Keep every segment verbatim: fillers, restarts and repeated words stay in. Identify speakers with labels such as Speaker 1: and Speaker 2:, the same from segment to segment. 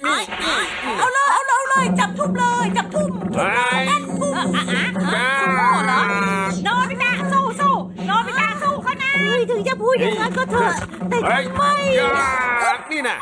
Speaker 1: นี่เอาเลยเอาเลยเอาเลยจับทุ่มเลยจับทุ่ม
Speaker 2: เฮ้ย
Speaker 1: ทุ่ม
Speaker 2: จ้า
Speaker 1: เหรอโนบิตะสู้สู้โนบิตะสู้เขานะ
Speaker 3: เฮ้ยถึงจะพูดอย่างนั้นก็เถอะแต่
Speaker 2: เฮ้ย
Speaker 3: ทำไม
Speaker 2: จ้านี่น่ะ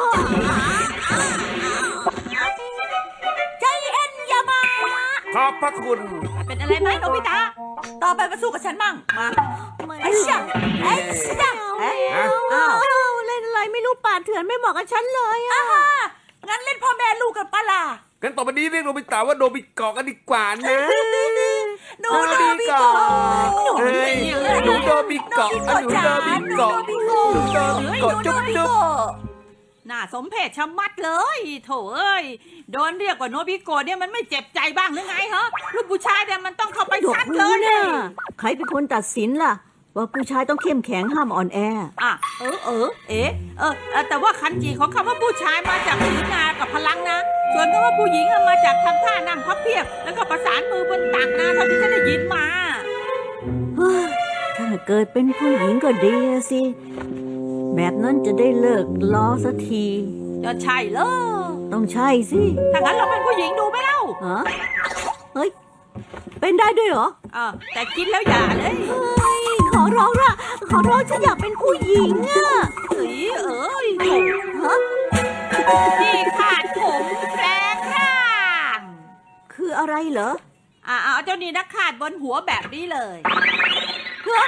Speaker 1: ใจเอ็นอย่ามา
Speaker 2: ขอบพระคุณ
Speaker 1: เป็นอะไรไหมโนบิตะต่อไปมาสู้กับฉันมั่งมาไอ้ชะไอ้ชะเอ้ย
Speaker 2: ฮะ
Speaker 3: อ้าวเล่นอะไรไม่รู้ป่าเถื่อนไม่เหมาะกับฉันเลยอะ
Speaker 1: อ่าฮะงั้นเล่นพ่อแม่ลูกกันปะล่ะ
Speaker 2: กันต่อไปนี้เรียกโนบิตะว่าโนบิเกาะกันดีกว่านะ
Speaker 1: หนูโนบิโกะหนู
Speaker 2: เฮ้ยหนูโนบิเกาะหนูโนบิเกาะ
Speaker 1: หนูโนบิโกะ
Speaker 2: เกาะจุ๊บจุ๊บ
Speaker 1: น่าสมเพชชะมัดเลยโถเอ้ยโดนเรียกว่าโนบิโกะเนี่ยมันไม่เจ็บใจบ้างหรือไงฮะลูกผู้ชายเนี่ยมันต้องเข้าไป
Speaker 3: ดอก
Speaker 1: ซัดเล
Speaker 3: รู้
Speaker 1: ย
Speaker 3: เนี่ยใครเป็นคนตัดสินล่ะ ว่าผู้ชายต้องเข้มแข็งห้ามอ่อนแอ
Speaker 1: อ่ะเออเออเอ๊ะเออเออแต่ว่าคันจีของคำว่าผู้ชายมาจากศีลากับพลังนะส่วนคำว่าผู้หญิงอะมาจากทำท่านั่งพับเพียบแล้วก็ประสานมือบนตักนะเท่าที่ฉันได้ยินมา
Speaker 3: เฮ้ยถ้าเกิดเป็นผู้หญิงก็ดีอะสิ แบบนั้นจะได้เลิกล้อสักที
Speaker 1: จะใช่เหรอ
Speaker 3: ต้องใช่สิ
Speaker 1: ถ้างั้นเราเป็นผู้หญิงดูไหมเล่า
Speaker 3: ฮะเฮ้ย เป็นได้ด้วยเหรอ
Speaker 1: เออแต่กินแล้วอย่าเลย
Speaker 3: เฮ้ย ขอร้องละขอร้องฉันอยากเป็นผู้หญิงอะ
Speaker 1: เอ้ยเอ้ย
Speaker 3: ฮะ
Speaker 1: ที่ขาดผมแปลงร่าง
Speaker 3: คืออะไรเหรอ
Speaker 1: อ่าเอาเจ้านี่นักขาดบนหัวแบบนี้เลยเฮ้อ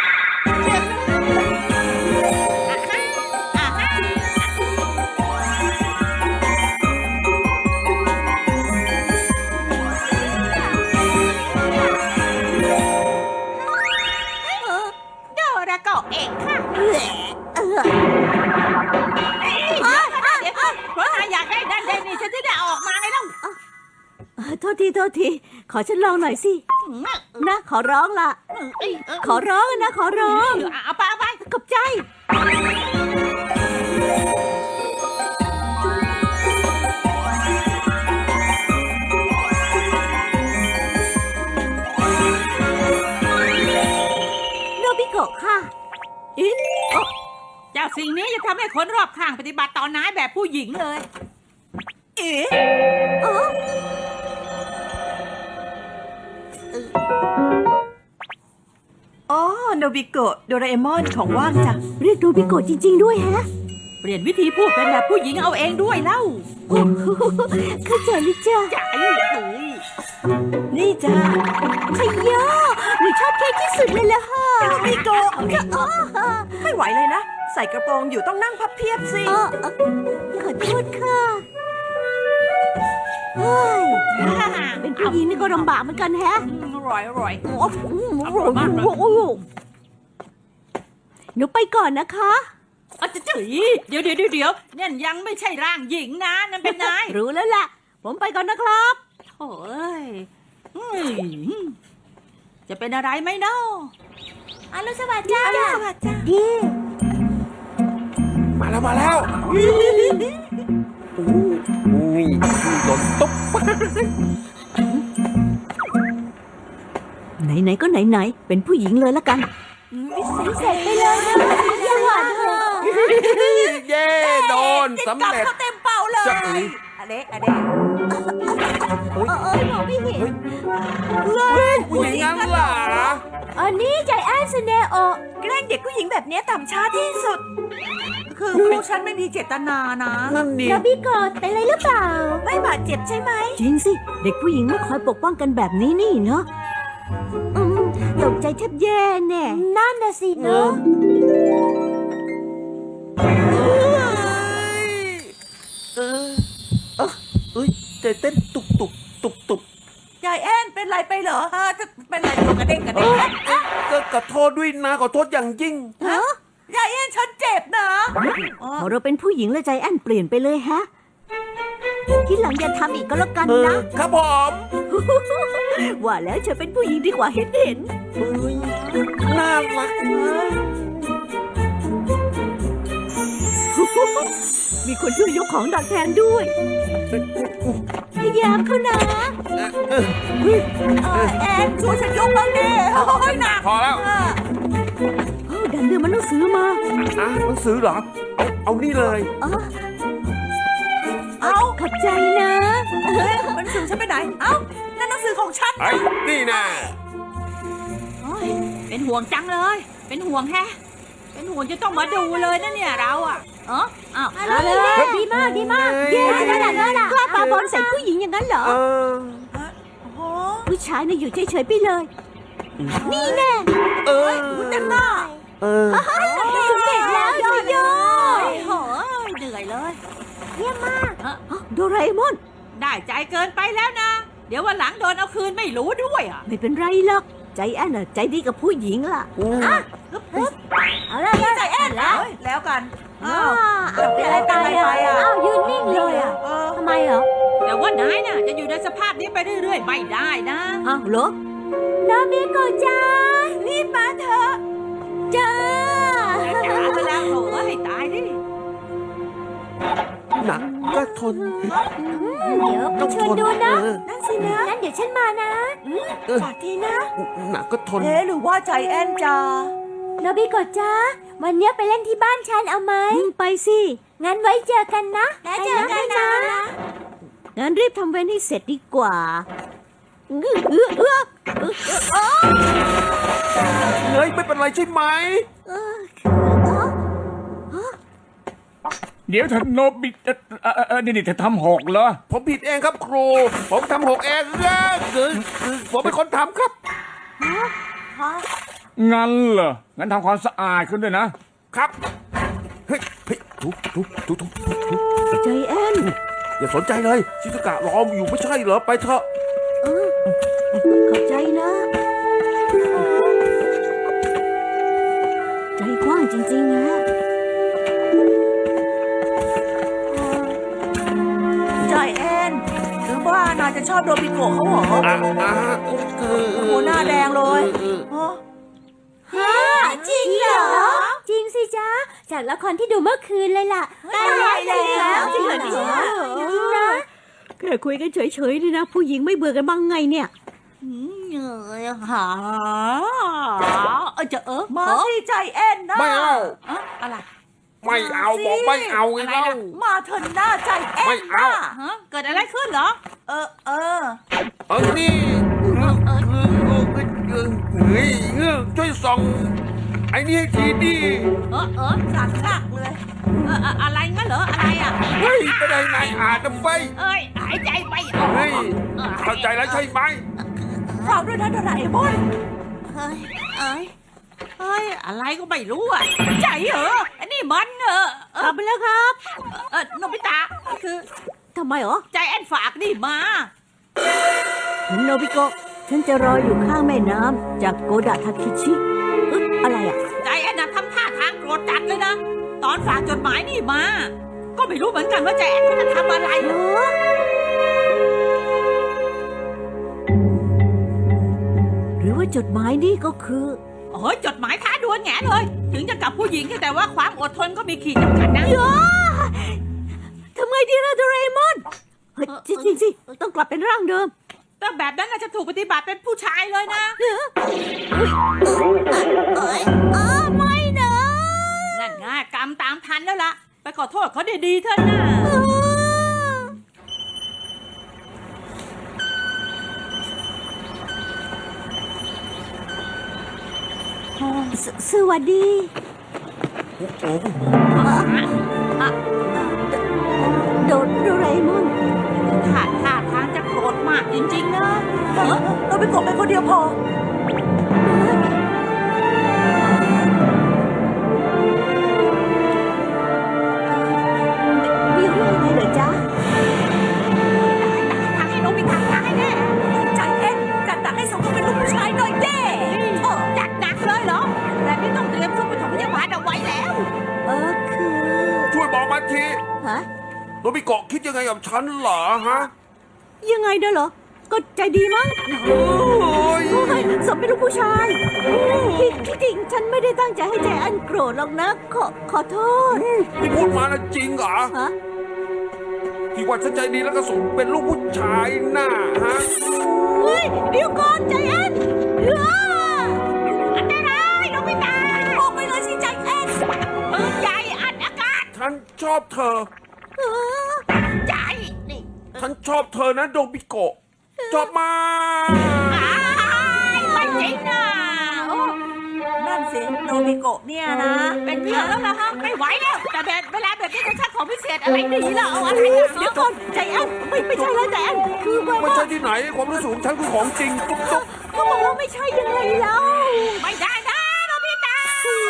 Speaker 1: อ่ะฮะอ่ะฮะโดราโกะเองค่ะ
Speaker 3: เออ
Speaker 1: เอ้ยเดี๋ยวก่อนนะเดี๋ยวก่อนเพราะนายอยากได้นั่นได้นี่ฉันจะได้ออกมาไงเล่า
Speaker 3: เออโทษทีโทษที ขอฉันลองหน่อยสิ
Speaker 1: อืม
Speaker 3: นะ ขอร้องละ
Speaker 1: เอ้ยเอ้ย
Speaker 3: ขอร้องอะนะ ขอร้อง
Speaker 1: เอาไปเอาไป
Speaker 3: ขอบใจ โนบิโกะค่ะอิ๊ะ
Speaker 1: เจ้าสิ่งนี้จะทำให้คนรอบข้างปฏิบัติต่อนายแบบผู้หญิงเลย เอ๊ะ
Speaker 3: เออ
Speaker 4: อ๋อโนบิโกะโดราเอมอนของว่างจ้ะ
Speaker 3: เรียกโนบิโกะจริง ๆ ด้วยแฮะ
Speaker 1: เปลี่ยนวิธีพูดเป็นแบบผู้หญิงเอาเองด้วยเล่า
Speaker 3: โอ้โหเข้าใจเลยจ้ะ
Speaker 1: จ๋าเอ้ย
Speaker 4: นี่จ้า
Speaker 3: ชัยโยหนูชอบเค้กที่สุดเลยล่ะค่ะ
Speaker 4: โนบิโกะ
Speaker 3: อ๋อ
Speaker 4: ไม่ไหวเลยนะ ใส่กระโปรงอยู่ต้องนั่งพับเพียบสิ
Speaker 3: เออเออขอโทษค่ะเฮ้ยเป็นผู้หญิงนี่ก็ลำบากเหมือนกันแฮะ
Speaker 1: อร่อยอร่อย
Speaker 3: โอ้โหโอ้โหหนูไปก่อนนะคะ
Speaker 1: เอาจะจืดเดี๋ยวเดี๋ยวเดี๋ยวเนี่ยยังไม่ใช่ร่างหญิงนะนั่นเป็นนาย
Speaker 3: รู้แล้วล่ะ ผมไปก่อนนะครับ
Speaker 1: โอ้ยอืมจะเป็นอะไรไหมเนาะอรุณสวัสดิ์จ้า
Speaker 4: อรุณสวัสดิ์จ้า
Speaker 3: ดี
Speaker 2: มาแล้วมาแล้วอุ้ยหล่นตุ๊บ
Speaker 3: ไหนๆก็ไหนๆเป็นผู้หญิงเลยละกันพิเศษไปเลยนะอย่าหวานเถอะ
Speaker 2: เย้โดนสำ
Speaker 1: กลับ
Speaker 2: เร็จ
Speaker 1: เขาเต็มเป่าเลย
Speaker 2: จะเอ๋ย
Speaker 1: อะเดะอะเดะ
Speaker 3: เออเออมองไม่เห็น
Speaker 2: ผู้หญิงงั้นเหรอ
Speaker 3: อันนี้ใจแอนเซเนโอ
Speaker 4: แกล้งเด็กผู้หญิงแบบนี้ต่ำช้าที่สุด
Speaker 1: คือพวกฉันไม่มีเจตนานะ
Speaker 2: นั่นดิ
Speaker 3: โนบิโกะเป็นอะไรหรือเปล่า
Speaker 4: ไม่บาดเจ็บใช่ไหม
Speaker 3: จริงสิ เด็กผู้หญิงไม่คอยปกป้องกันแบบนี้นี่เนาะอืมตกใจแทบแย่แน่นั่นน่ะสิเนาะ
Speaker 2: เออเออเอ้ยใจเต้นตุกตุกตุกตุก
Speaker 1: ยายแอนเป็นไรไปเหรอฮะจะเป็นไรตัวกระเด้งกระเด้ง
Speaker 2: ก็ขอโทษด้วยนะขอโทษอย่างยิ่ง
Speaker 3: ฮะ
Speaker 1: ยายแอนฉันเจ็บนะ
Speaker 3: พอเราเป็นผู้หญิงแล้วใจแอนเปลี่ยนไปเลยฮะทีหลังอย่าทำอีกก็แล้วกัน
Speaker 2: เออ
Speaker 3: นะครับ
Speaker 2: ผม
Speaker 3: ว่าแล้วเธอเป็นผู้หญิงดีกว่าเห็นเห็น
Speaker 2: เฮ้ยน่ารักนะ
Speaker 3: มีคนช่วยยกของดักแทนด้วยพยายามเขานะ
Speaker 2: เออ
Speaker 1: เออแอนช่วยฉันยกบ้างดิโอ้ยหนัก
Speaker 2: พอแล้ว
Speaker 1: เออ
Speaker 3: เอ้าดันเรื่องมันต้องซื้อมา
Speaker 2: อ่ะหนังสือเหรอ เอาเอานี่เลย
Speaker 3: อ๋อ
Speaker 1: เอา
Speaker 3: ขขอบใจนะ
Speaker 4: เฮ้ยหนังสือฉันไปไหน เอ้า นั่นหนังสือของฉัน
Speaker 2: ไอ้นี่นะ
Speaker 1: โอ้ยเป็นห่วงจังเลย เป็นห่วงแฮะ เป็นห่วงจะต้องมาดูเลยนะเนี่ยเราอ่ะเอออ้าว
Speaker 3: เอาเลยดีมากดีมากเย้ขนาดนั้นล่ะกล้าปาบอลใส่ผู้หญิงอย่างนั้นเหรอ
Speaker 2: เออ
Speaker 4: โอ้โห
Speaker 3: ผู้ชายน่ะอยู่เฉยๆไปเลย นี่แน่
Speaker 2: เออ
Speaker 4: คุณเต็มหน้า
Speaker 2: เออ
Speaker 3: สำเร็จแล้วโยโย่
Speaker 1: โอ้ยโหเหนื่อยเลย
Speaker 3: เยี่ยมมาก
Speaker 1: เอ้อ
Speaker 3: โดราเอมอน
Speaker 1: ได้ใจเกินไปแล้วนะ เดี๋ยววันหลังโดนเอาคืนไม่รู้ด้วยอ่ะ
Speaker 3: ไม่เป็นไรหรอก ใจแอนน่ะใจดีกับผู้หญิงล่ะ
Speaker 2: อืม
Speaker 3: เอาละใจแอนแล้ว
Speaker 4: เฮ้ยแล้วกัน
Speaker 3: อ้า
Speaker 4: อ้าว
Speaker 3: วเป็นอะไรไปอ่ะอ้าวยืนนิ่งเลยอ่ะ
Speaker 4: เออ
Speaker 3: ทำไมเหรอ
Speaker 1: แต่ว่านายน่ะจะอยู่ในสภาพนี้ไปเรื่อยๆไม่ได้นะ
Speaker 3: อ้าวเหรอนามิโกะจ้ารีบมาเถอะจ้า
Speaker 1: จะจ๋าไปแล้วโถ่ให้ตายดิ
Speaker 2: หนักก็ทน
Speaker 3: เดี๋ยวไปเชิญดูนะ
Speaker 2: เออ
Speaker 4: นั่นสินะ
Speaker 3: งั้นเดี๋ยวฉันมานะ
Speaker 2: เออ
Speaker 4: ฝากทีนะ
Speaker 2: หนักก็ทน
Speaker 4: เอ๊ะหรือว่าใจแอนจะ
Speaker 3: นาบิโกะจ้าวันเนี้ยไปเล่นที่บ้านฉันเอาไหมไปสิ งั้นไว้เจอกันนะแล้วเจอกันนะ งั้นรีบทำเว้นให้เสร็จดีกว่าเออเออเออเออเออ
Speaker 2: เฮ้ย ไม่เป็นไรใช่ไหม
Speaker 3: เออ
Speaker 5: เดี๋ยวท่านโนบิเอ่อเอ่อเอ่อนี่นี่เธอทำหกเหรอ
Speaker 2: ผมผิดเองครับครู ผมทำหกเองเออคือคือผมเป็นคนทำครับ
Speaker 5: งั้นเหรอ งั้นทำความสะอาดขึ้นด้วยนะ
Speaker 2: ครับ เฮ้ยเฮ้ยทุบทุบทุบทุบทุบ
Speaker 3: ใจแอน
Speaker 2: อย่าสนใจเลยชิซุกะรออยู่ไม่ใช่เหรอ ไปเถอะ
Speaker 3: เออขอบใจนะ ใจกว้างจริงๆนะ
Speaker 4: ใจแอนหรือว่านายจะชอบโดบิโกะเขาเหรอ
Speaker 2: อ่ะอ่ะคือ
Speaker 4: โอ้โหหน้าแดงเลย
Speaker 2: ออ
Speaker 4: ฮะ
Speaker 3: ฮะจริงเหรอ จริงสิจ๊ะ จากละครที่ดูเมื่อคืนเลยล่ะ
Speaker 4: ตายแล้ว
Speaker 3: จริงเหรอเนี่ยจริงนะแค่คุยกันเฉยๆนี่นะ ผู้หญิงไม่เบื่อกันบ้างไงเนี่ย
Speaker 1: อืมเหนื่อยหาเออจะเออ
Speaker 4: มา
Speaker 1: เออ
Speaker 4: สิใจแอนนะ
Speaker 2: ไม่เอา
Speaker 1: เอ้ออะไร
Speaker 2: ไม่เอาบอกไม่เอาไง
Speaker 1: อะไร
Speaker 2: เล่า
Speaker 1: ล่ะ
Speaker 4: มาเถอะหน้าใจแอน
Speaker 2: ไม่เอา
Speaker 4: นะ
Speaker 1: ฮะเกิดอะไรขึ้นเหรอ
Speaker 4: เออเออ
Speaker 2: เออนี่เออเออเออเออเออเฮ้ยเงือกช่วยส่องไอ้นี่ให้ทีดิ
Speaker 1: เออเออ
Speaker 4: สั่นหนักเลย
Speaker 1: เออเอออะไรงั้นเหรออะไรอ่ะ
Speaker 2: เฮ้ยไม่ได้นายอ่านนะไป
Speaker 1: เอ้ยหายใจไม่ออก
Speaker 2: เฮ้ย
Speaker 1: ออ
Speaker 2: เข้าใจแล้วใช่ไหม
Speaker 4: เราด้วยนะโดราเอมอน
Speaker 1: เฮ้ยเอ้ยเฮ้ยอะไรก็ไม่รู้อ่ะใจเหรออันนี้มันเออเออก
Speaker 3: ลับไปแล้วครับ
Speaker 1: เออโนบิตะคือ
Speaker 3: ทำไมเหรอ
Speaker 1: ใจแอนฝากนี่มา
Speaker 3: โนบิโกะฉันจะรออยู่ข้างแม่น้ำจากโกดะทาคิชิเอ๊ะอะไรอ่ะ
Speaker 1: ใจแอนน่ะทำท่าทางโกรธจัดเลยนะ ตอนฝากจดหมายนี่มา ก็ไม่รู้เหมือนกันว่าใจแอนเขาจะทำอะไร
Speaker 3: เหรอหรือว่าจดหมายนี่ก็คือ
Speaker 1: โอ้ยจดหมายท้าดวลแง่เลย ถึงจะกับผู้หญิงแต่ว่าความอดทนก็มีขีดจำกัดนะ
Speaker 3: ทำไงดีล่ะโดราเอมอนเฮ้ยจริงๆสิต้องกลับเป็นร่างเดิม
Speaker 1: แต่แบบนั้นน่ะจะถูกปฏิบัติเป็นผู้ชายเลยนะ
Speaker 3: เอ้ยเอ้ยเออไม่นะ
Speaker 1: นั่นไงกรรมตามทันแล้วล่ะ ไปขอโทษเขาดีๆเถอะนะ
Speaker 3: สสวัสดี โดโดราเอมอน
Speaker 1: ท่าท่าทางจะโกรธมากจริงๆนะเออ
Speaker 4: โดบิโกะเป็นคนเดียวพอ
Speaker 3: มีเรื่องอะไรเหรอจ๊ะ
Speaker 1: ทางให้น้องมีทางทางให้แน่
Speaker 4: ใจแอนจัดหนักให้สมกับเป็นลูกผู้ชายหน่อยเด้
Speaker 1: โอ้จัดหนักเลยเหรอแบบนี้ต้องเตรียมเครื่องปฐมพยาบาลเอาไว้แล้ว
Speaker 3: เออคือ
Speaker 2: ช่วยบอกมาที
Speaker 3: ฮะ
Speaker 2: โนบิโกะคิดยังไงกับฉันเหรอฮะ
Speaker 3: ยังไงเด้อเหรอ ก็ใจดีมั้ง
Speaker 2: โอ้ย
Speaker 3: โอ้ยสมเป็นลูกผู้ชายที่ที่จริงฉันไม่ได้ตั้งใจให้ใจอันโกรธหรอกนะ ขอขอโทษ
Speaker 2: ที่พูดมานะจริงเหรอ
Speaker 3: ฮะ
Speaker 2: ที่ว่าฉันใจดีแล้วก็สมเป็นลูกผู้ชายน่ะฮะ
Speaker 3: เฮ้ยเดี๋ยวก่อนใจอันเอ้อ
Speaker 1: อันตรายน้องไม่ตาย
Speaker 4: ออกไปเลยสิใจแอน
Speaker 1: ปืนใหญ่อัดอากาศ
Speaker 2: ฉันชอบเธอ
Speaker 3: เออ
Speaker 1: ใจนี่
Speaker 2: ชอบเธอนะโดบิโกะชอบมาก
Speaker 1: อ้ายไม่จริงนะโอ้
Speaker 4: นั่นสิโนบิโกะเนี่ยนะ
Speaker 1: เป็นเมียแล้วนะฮะไม่ไหวแล้วแต่แบบเวลาแบบนี้จะชักของพิเศษอะไรดีล่ะเอาอะไรอ่ะ
Speaker 3: เดี๋ยวก่อนใจแอนไม่ไม่ใช่แล้วใจแอนคือว่า
Speaker 2: ไม่ใช่ที่ไหนความรู้สึกของฉันคือของจริงตุ๊บตุ๊บ
Speaker 3: เขาบอกว่าไม่ใช่ยังไงแล้ว
Speaker 1: ไม่ได้นะโนบิตะ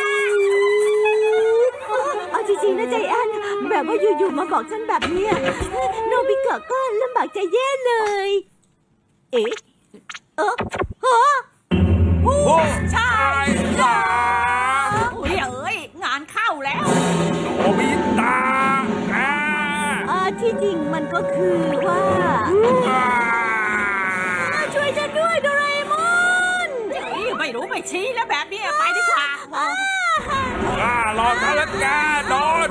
Speaker 3: เอาจริงๆนะใจแอนแบบว่าอยู่ๆมาบอกฉันแบบเนี้ยโนบิเกะก็ลำบากใจแย่เลย เอ๊ะเออเออ
Speaker 2: โอ้
Speaker 1: ใช่
Speaker 2: ยา
Speaker 1: อุ้ยเอ้ยงานเข้าแล้ว
Speaker 2: โอบิตะอ่า
Speaker 3: อ่าที่จริงมันก็คือว่า
Speaker 2: อ่า
Speaker 3: ช่วยฉันด้วยโดราเอมอน
Speaker 1: เฮ้ยไม่รู้ไม่ชี้แล้วแบบนี้ไปดีกว่า
Speaker 2: อ่ารอฉันแล้วแกโดน